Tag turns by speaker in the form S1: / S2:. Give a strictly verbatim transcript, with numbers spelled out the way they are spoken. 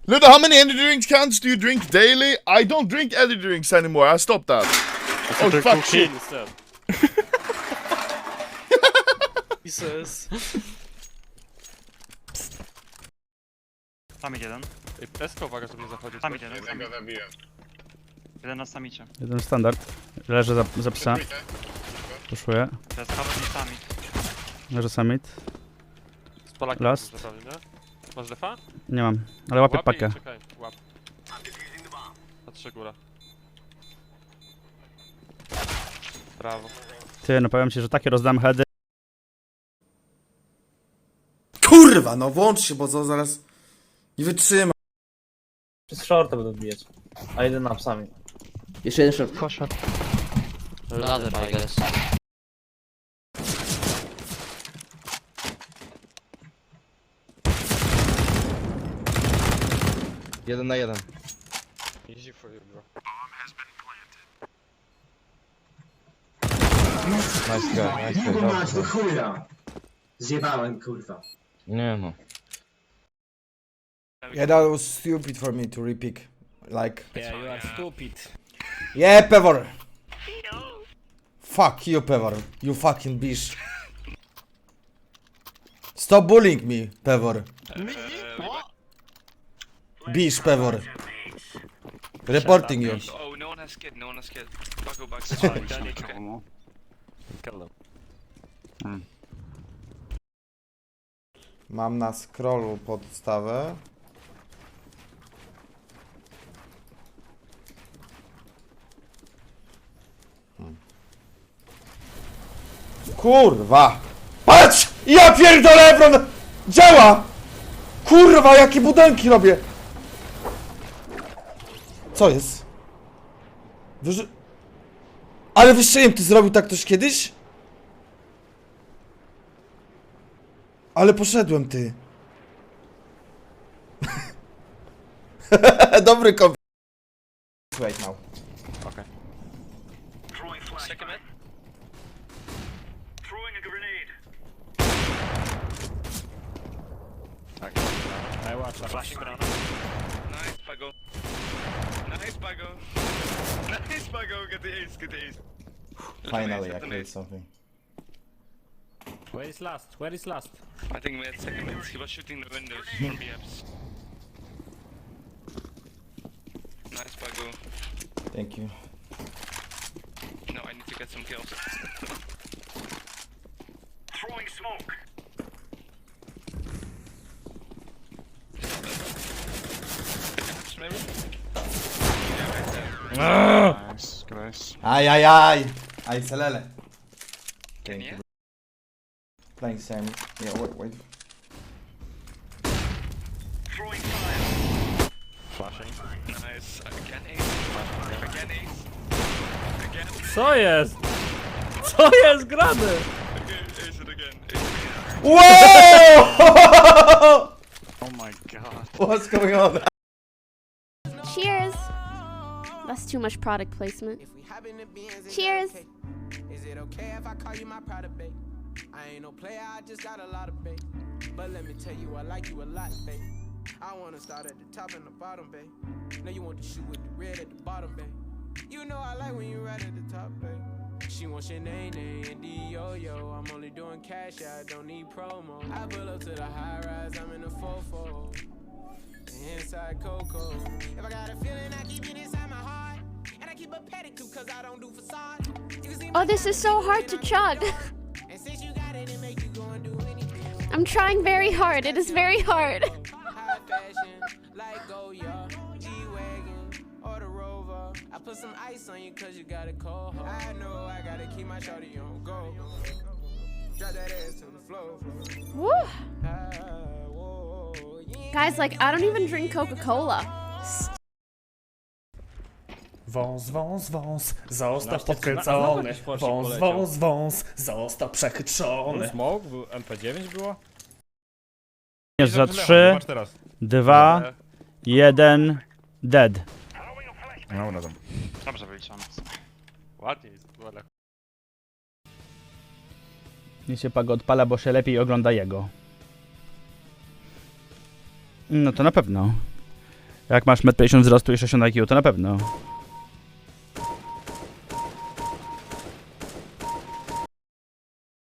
S1: Luda, how many energy drinks cans do you drink daily? I don't drink energy drinks anymore. I stopped that. Oh fuck shit.
S2: Instead. Jesus.
S3: Samit jeden.
S2: Ej, Pesko, uwaga, żeby nie zachodzić.
S3: Samit jeden.
S4: Ja go zabiłem.
S3: Jeden na samicie.
S5: Jeden standard. Leży za, za psa.
S4: Trójkę.
S5: Puszuję.
S3: To jest Haven i Samit.
S5: Leży summit.
S2: Z Polakiem
S5: Last.
S2: dużo pewnie, nie? Masz defa?
S5: Nie mam, ale łapię
S2: Łapie
S5: pakę.
S2: i czekaj, łap. Patrzę góra. Brawo.
S5: Ty, no powiem ci, że takie rozdam heady.
S6: Kurwa, no włącz się, bo to zaraz nie wytrzyma.
S7: Przez shorta będą bijać. A jeden na psami.
S8: Jeszcze jeden short.
S3: Poszedł.
S8: Ladder, I guess.
S9: Jeden na jeden.
S2: Easy for you, bro.
S9: Nice guy, nice guy.
S10: Kurwa mać, do
S9: Dobrze.
S10: chuja! Zjebałem, kurwa.
S9: Nie no.
S6: Yeah, that was stupid for me to repick. Like.
S7: Yeah, you are stupid.
S6: Yeah, Pevor! Fuck you, Pevor. You fucking bitch. Stop bullying me, Pevor. Bitch, Pevor. Reporting you.
S3: Oh, no one has kid, no one has kid. I'll go back.
S2: Kill them.
S6: Mam na scrollu podstawę. Hmm. Kurwa! Patrz! Ja pierdolę, Ebron! Działa! Kurwa, jakie budynki robię! Co jest? Wyży... Ale wystrzeliłem, ty zrobił tak ktoś kiedyś? Ale poszedłem, ty. Dobry komp... Wait now.
S2: Okay.
S3: Second mid. Throwing a grenade.
S7: I watch that.
S3: Flashing banana. Nice, Pago. Nice, Pago. Nice, Pago. Get the ace, get the ace.
S6: Finally, I killed something.
S7: Where is last? Where is last?
S3: I think we had second mid. He was shooting the windows from B Fs. Nice, Pago.
S6: Thank you.
S3: No, I need to get some kills. Throwing smoke. Maybe? Yeah, right there.
S2: Nice, guys.
S6: Aj, aj, aj! Aj, celele.
S3: Can you?
S6: Playing Sam. Yeah, wait, wait.
S3: Throwing fire.
S2: Flashing.
S3: Nice. Again ace. Again ace. Again.
S7: Co jest? Co jest grane?
S3: Again ace it again. Ace it again.
S6: Whoa!
S2: Oh my god.
S6: What's going on?
S11: Cheers! That's too much product placement. Cheers!
S10: Is it okay if I call you my product, babe? I ain't no player, I just got a lot of bait. But let me tell you, I like you a lot, babe. I wanna start at the top and the bottom, babe. Now you want to shoot with the red at the bottom, babe. You know I like when you right at the top, babe. She wants your name, and D-Yo-Yo. I'm only doing cash, I don't need promo. I pull up to the high rise, I'm in the fofo. Inside Coco. If I got a feeling, I keep it inside my heart. And I keep a pedicure cause I don't do facade.
S11: Oh, this is so hard to chug.
S10: And since you got it, it make you go and do anything.
S11: I'm trying very hard. It is very hard.
S10: High fashion, like Goya, G-Wagon, or the Rover. I put some ice on you cause you got a cold heart. I know I gotta keep my shorty on go. Drop that ass to the floor.
S11: Woo. Guys, like, I don't even drink Coca-Cola.
S12: Wąs, wąs, wąs, został
S7: No,
S12: podkręcony.
S7: znowu jakiś
S12: Wąs,
S7: poleciał.
S12: wąs, wąs, został przechytrzony.
S7: Smoke? Był M P dziewięć było?
S5: Jest za trzy, dwa, jeden, dead.
S2: No, no tam. Dobrze wyliczone. Ładnie jest, ale...
S5: Niech się Pago odpala, bo się lepiej ogląda jego. No to na pewno. Jak masz metr pięćdziesiąt wzrostu i sześćdziesiąt I Q, to na pewno.